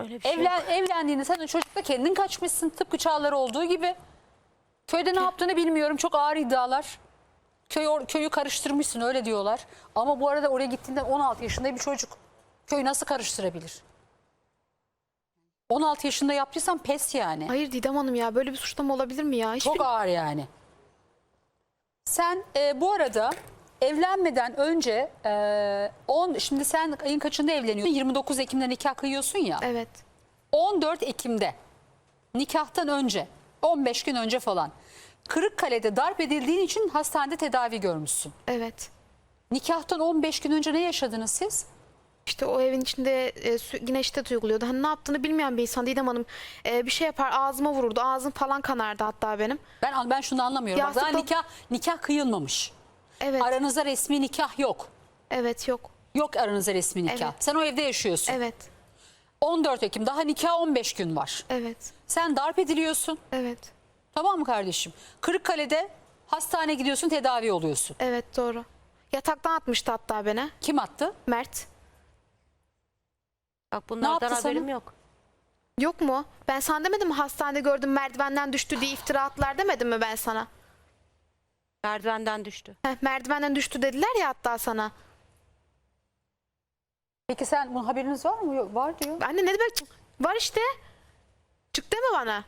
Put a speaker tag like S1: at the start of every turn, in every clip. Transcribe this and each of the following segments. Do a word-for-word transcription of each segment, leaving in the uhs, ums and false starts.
S1: Öyle bir şey
S2: Evlen,
S1: yok.
S2: evlendiğinde sen o çocukla kendin kaçmışsın. Tıpkı Çağlar olduğu gibi. Köyde ne yaptığını bilmiyorum. Çok ağır iddialar. Köy, or- köyü karıştırmışsın öyle diyorlar. Ama bu arada oraya gittiğinde on altı yaşında bir çocuk. Köyü nasıl karıştırabilir? on altı yaşında yaptıysan pes yani.
S3: Hayır Didem Hanım ya, böyle bir suçlama olabilir mi ya? Hiçbir...
S2: Çok ağır yani. Sen e, bu arada evlenmeden önce e, on şimdi sen ayın kaçında evleniyorsun? yirmi dokuz Ekim'de nikah kıyıyorsun ya.
S3: Evet.
S2: on dört Ekim'de nikahtan önce on beş gün önce falan Kırıkkale'de darp edildiğin için hastanede tedavi görmüşsün.
S3: Evet.
S2: Nikahtan on beş gün önce ne yaşadınız siz?
S3: İşte o evin içinde e, sü- yine şiddet uyguluyordu. Hani ne yaptığını bilmeyen bir insan Didem Hanım. E, bir şey yapar, ağzıma vururdu. Ağzım falan kanardı hatta benim.
S2: Ben ben şunu anlamıyorum. Bak, daha
S3: Yastıkta-
S2: nikah nikah kıyılmamış.
S3: Evet.
S2: Aranızda resmi nikah yok.
S3: Evet, yok.
S2: Yok aranızda resmi nikah.
S3: Evet.
S2: Sen o evde yaşıyorsun.
S3: Evet.
S2: on dört Ekim daha nikah on beş gün var.
S3: Evet.
S2: Sen darp ediliyorsun.
S3: Evet.
S2: Tamam mı kardeşim? Kırıkkale'de hastaneye gidiyorsun, tedavi oluyorsun.
S3: Evet, doğru. Yataktan atmıştı hatta beni.
S2: Kim attı?
S3: Mert.
S1: Bak bunlardan
S2: yaptı
S1: haberim
S2: sana?
S1: yok.
S3: Yok mu? Ben sana demedim mi hastanede gördüm merdivenden düştü diye iftira attılar demedim mi ben sana?
S1: Merdivenden düştü.
S3: Heh, merdivenden düştü dediler ya hatta sana.
S2: Peki sen bunun haberiniz var mı? Yok, var diyor.
S3: Anne ne demek? Var işte. Çıktı mı bana?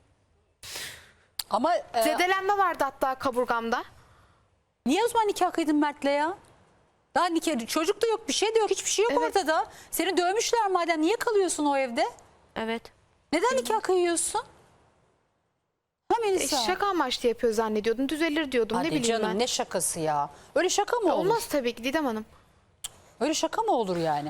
S2: Ama e,
S3: Zedelenme vardı hatta kaburgamda.
S2: niye o zaman nikah kıydın Mert'le ya? Daha nikah, çocuk da yok, bir şey de yok, hiçbir şey yok
S3: Evet.
S2: ortada. Seni dövmüşler madem, niye kalıyorsun o evde?
S1: Evet.
S2: Neden nikah kıyıyorsun? Ha
S3: E,
S2: Melisa?
S3: şaka amaçlı yapıyor zannediyordum. Düzelir diyordum.
S2: Hadi
S3: ne bileyim
S2: canım
S3: ben.
S2: ne şakası ya? Öyle şaka mı olur?
S3: Olmaz tabii ki Didem Hanım.
S2: Öyle şaka mı olur yani?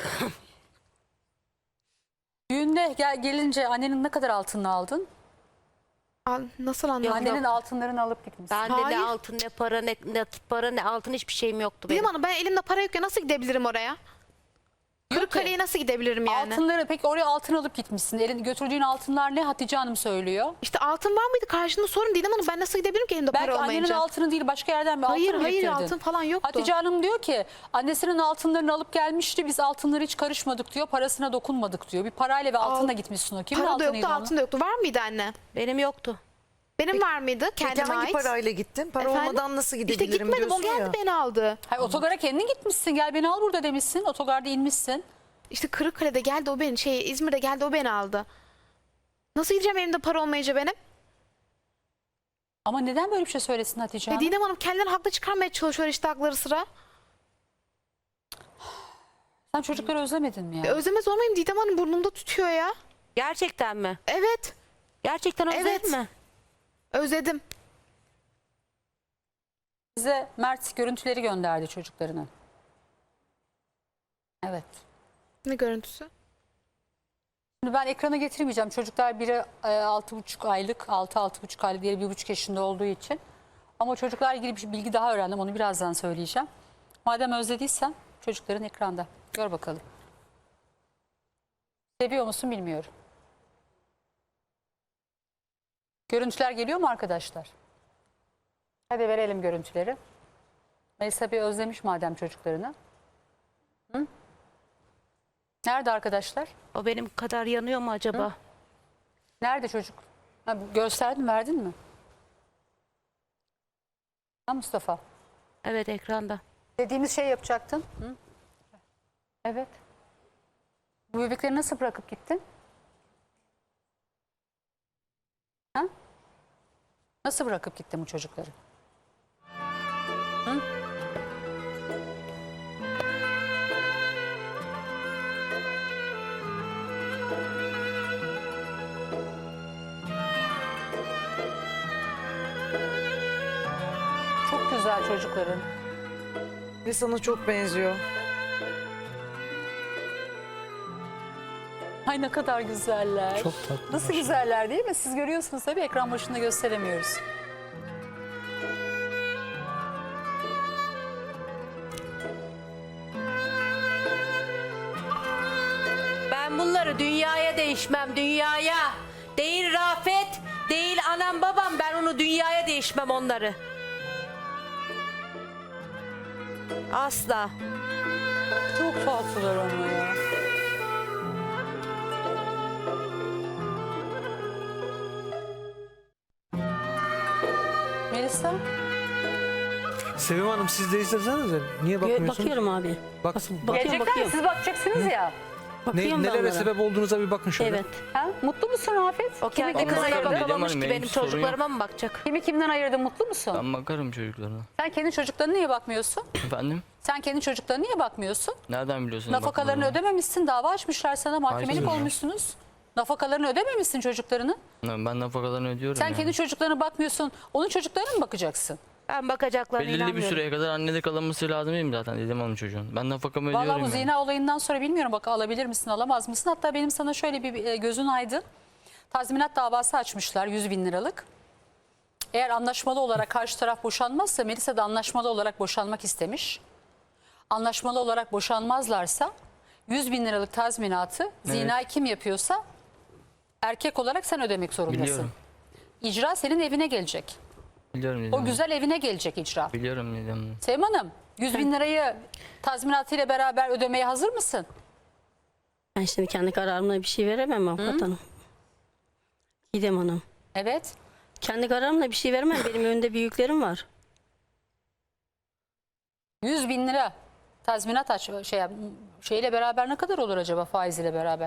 S2: Düğünde gel, gelince annenin ne kadar altınını aldın?
S3: Al, nasıl anladın?
S2: Annenin altınlarını alıp gitmişsin.
S1: Bende
S3: Hayır.
S1: ne altın ne para ne, ne para ne altın hiçbir şeyim yoktu
S3: Didem
S1: benim.
S3: Hanım, ben elimde para yok ya, nasıl gidebilirim oraya? Kırıkkale'ye nasıl gidebilirim yani?
S2: Altınları peki oraya altın alıp gitmişsin. Elin götürdüğün altınlar ne, Hatice Hanım söylüyor?
S3: İşte altın var mıydı? Karşında sorun Didem Hanım. Ben nasıl gidebilirim ki elimde
S2: Belki
S3: para
S2: annenin
S3: olmayınca?
S2: altını değil, başka yerden bir
S3: Hayır,
S2: altın mı
S3: hayır,
S2: getirdin?
S3: altın falan yoktu.
S2: Hatice Hanım diyor ki annesinin altınlarını alıp gelmişti, biz altınları hiç karışmadık diyor, parasına dokunmadık diyor. Bir parayla ve altınla gitmişsin o. Kimin
S3: Para da
S2: altınıydı
S3: yoktu,
S2: onun?
S3: altın da yoktu. Var mıydı anne?
S1: Benim yoktu.
S3: Benim var mıydı?
S4: Peki
S3: Kendime
S4: hangi
S3: ait.
S4: parayla gittin? Para
S3: Efendim?
S4: olmadan nasıl
S3: İşte
S4: gidebilirim
S3: gitmedim, o
S4: diyorsun
S3: geldi
S4: ya.
S3: beni aldı.
S2: Hayır, otogara kendin gitmişsin, gel beni al burada demişsin. Otogarda inmişsin.
S3: İşte Kırıkkale'de geldi o beni, şey İzmir'de geldi o beni aldı. Nasıl gideceğim elimde para olmayınca benim?
S2: Ama neden böyle bir şey söylesin Hatice
S3: Ya
S2: Hanım?
S3: Didem Hanım kendilerini haklı çıkarmaya çalışıyor işte hakları sıra.
S2: Sen çocukları özlemedin mi ya?
S3: Ya özlemez olmayayım, Didem Hanım burnumda tutuyor ya.
S1: Gerçekten mi?
S3: Evet,
S1: Gerçekten özledin
S3: Evet.
S1: mi?
S3: özledim.
S2: Bize Mert görüntüleri gönderdi çocuklarının. Evet.
S3: Ne görüntüsü?
S2: Şimdi ben ekrana getirmeyeceğim. Çocuklar biri e, altı buçuk aylık, altı altı buçuk aylık, diğeri bir buçuk yaşında olduğu için. Ama çocuklarla ilgili bir bilgi daha öğrendim. Onu birazdan söyleyeceğim. Madem özlediysen çocukların ekranda. Gör bakalım. Seviyor musun bilmiyorum. Görüntüler geliyor mu arkadaşlar? Hadi verelim görüntüleri. Melisa bir özlemiş madem çocuklarını. Hı? Nerede arkadaşlar?
S1: O benim kadar yanıyor mu acaba?
S2: Nerede çocuk? Ha, gösterdin, verdin mi? Ha Mustafa.
S1: Evet, ekranda.
S2: Dediğimiz şey yapacaktın. Hı? Evet. Bu bebekleri nasıl bırakıp gittin? Ha? Nasıl bırakıp gittin bu çocukları? Hı? Çok güzel çocukların.
S4: Ve sana çok benziyor.
S2: Ay ne kadar güzeller.
S5: Çok tatlı.
S2: Nasıl güzeller değil mi? Siz görüyorsunuz tabii, ekran başında gösteremiyoruz.
S1: Ben bunları dünyaya değişmem, dünyaya. Değil Rafet, değil anam babam, ben onu dünyaya değişmem onları. Asla.
S2: Çok tatlılar ama ya. Melisa?
S5: Sevim Hanım siz de izlesenize. Niye bakmıyorsunuz?
S6: Bakıyorum abi.
S5: Baksın.
S6: Bak-
S2: Gelecekler mi?
S6: bakıyorum.
S2: Siz bakacaksınız ya.
S5: Ne,
S6: Bakıyorum ben
S5: nelere
S6: onlara.
S5: sebep olduğunuza bir bakın şöyle.
S6: Evet.
S2: Ha? Mutlu musun Rafet?
S1: O
S2: Kimi
S1: kendi
S2: kimden
S1: kızına
S2: ayırdın?
S7: Didem
S1: bakamamış
S7: Hanım,
S1: ki
S7: benim
S1: benim
S7: sorun
S1: çocuklarıma mı bakacak?
S2: Kimi kimden ayırdın? Mutlu musun?
S7: Ben bakarım çocuklarına.
S2: Sen kendi çocuklarına niye bakmıyorsun?
S7: Efendim?
S2: Sen kendi çocuklarına niye bakmıyorsun?
S7: Nereden biliyorsun?
S2: Nafakalarını
S7: bakmalarını?
S2: ödememişsin. Dava açmışlar sana. Mahkemelik
S7: Hayır.
S2: olmuşsunuz. Nafakalarını ödememişsin çocuklarını.
S7: Ben nafakalarını ödüyorum
S2: Sen
S7: yani.
S2: kendi çocuklarına bakmıyorsun. Onun çocuklarına mı bakacaksın?
S1: Ben bakacaklarına
S7: Belirli bir
S1: inanmıyorum.
S7: süreye kadar annede kalınması lazım değil mi zaten Didem Hanım çocuğun? Ben nafakamı ödüyorum
S2: Vallahi bu
S7: yani.
S2: zina olayından sonra bilmiyorum bak alabilir misin alamaz mısın? Hatta benim sana şöyle bir e, gözün aydın. Tazminat davası açmışlar yüz bin liralık. Eğer anlaşmalı olarak karşı taraf boşanmazsa Melisa da anlaşmalı olarak boşanmak istemiş. Anlaşmalı olarak boşanmazlarsa yüz bin liralık tazminatı zinayı kim yapıyorsa erkek olarak sen ödemek zorundasın.
S7: Biliyorum.
S2: İcra senin evine gelecek.
S7: Biliyorum Didem
S2: O
S7: Hanım.
S2: güzel evine gelecek icra.
S7: Biliyorum Didem Hanım.
S2: Sevim Hanım yüz bin lirayı tazminatıyla beraber ödemeye hazır mısın?
S6: Ben şimdi kendi kararımla bir şey veremem avukat hanım. Didem Hanım.
S2: Evet.
S6: Kendi kararımla bir şey veremem. Benim önümde büyüklerim var.
S2: yüz bin lira tazminat aç şey şeyle beraber ne kadar olur acaba faiziyle beraber?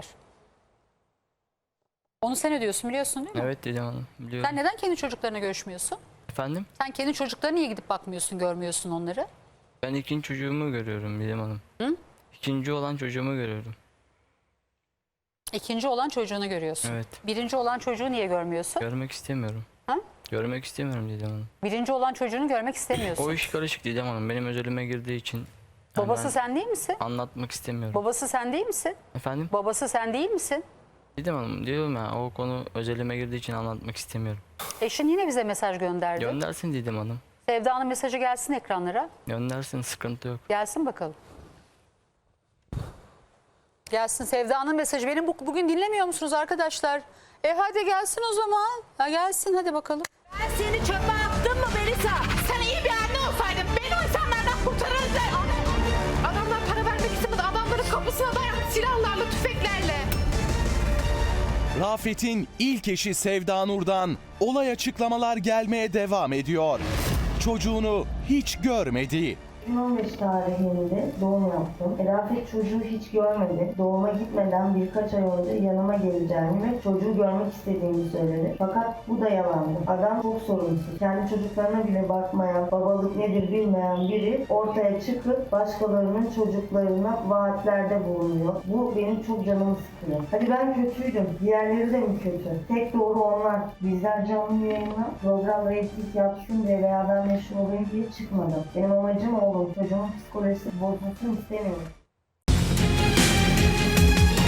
S2: Onu sen ödüyorsun biliyorsun değil mi?
S7: Evet Didem Hanım biliyorum.
S2: Sen neden kendi çocuklarına görüşmüyorsun?
S7: Efendim?
S2: Sen kendi çocuklarına niye gidip bakmıyorsun, görmüyorsun onları?
S7: Ben ikinci çocuğumu görüyorum Didem Hanım.
S2: Hı?
S7: İkinci olan çocuğumu görüyorum.
S2: İkinci olan çocuğunu görüyorsun.
S7: Evet.
S2: Birinci olan çocuğu niye görmüyorsun?
S7: Görmek istemiyorum.
S2: Ha?
S7: Görmek istemiyorum Didem Hanım.
S2: Birinci olan çocuğunu görmek istemiyorsun.
S7: O iş karışık Didem Hanım. Benim özelime girdiği için yani
S2: Babası
S7: ben
S2: sen değil misin?
S7: anlatmak istemiyorum.
S2: Babası sen değil misin?
S7: Efendim?
S2: Babası sen değil misin?
S7: Didem Hanım diyorum ya o konu özelime girdiği için anlatmak istemiyorum.
S2: Eşin yine bize mesaj gönderdi.
S7: Göndersin Didem Hanım.
S2: Sevda'nın mesajı gelsin ekranlara.
S7: Göndersin sıkıntı yok.
S2: Gelsin bakalım. Gelsin Sevda'nın mesajı. Benim bu, bugün dinlemiyor musunuz arkadaşlar? E hadi gelsin o zaman. Ha gelsin hadi bakalım.
S8: Ben seni çöpe attım mı Melisa? Sen iyi bir anne olsaydın beni o insanlardan kurtarırdın.
S3: Adamlar para vermek istemedi. Adamların kapısına dayandı silahlarla, tüfeklerle.
S9: Rafet'in ilk eşi Sevda Nur'dan olay açıklamalar gelmeye devam ediyor. Çocuğunu hiç görmedi.
S10: iki bin on beş tarihinde doğum yaptım. Rafet çocuğu hiç görmedi. Doğuma gitmeden birkaç ay önce yanıma geleceğini ve çocuğu görmek istediğini söyledi. Fakat bu da yalandı. Adam çok sorumsuz. Kendi çocuklarına bile bakmayan, babalık nedir bilmeyen biri ortaya çıkıp başkalarının çocuklarına vaatlerde bulunuyor. Bu benim çok canımı sıkıyor. Hadi ben kötüydüm. Diğerleri de mi kötü? Tek doğru onlar. Bizler canlı yayına program reyting yapsın diye veya ben meşhur olayım diye çıkmadım. Benim amacım oğlum. Çocuğumun psikolojisi bozulsun istemiyorum.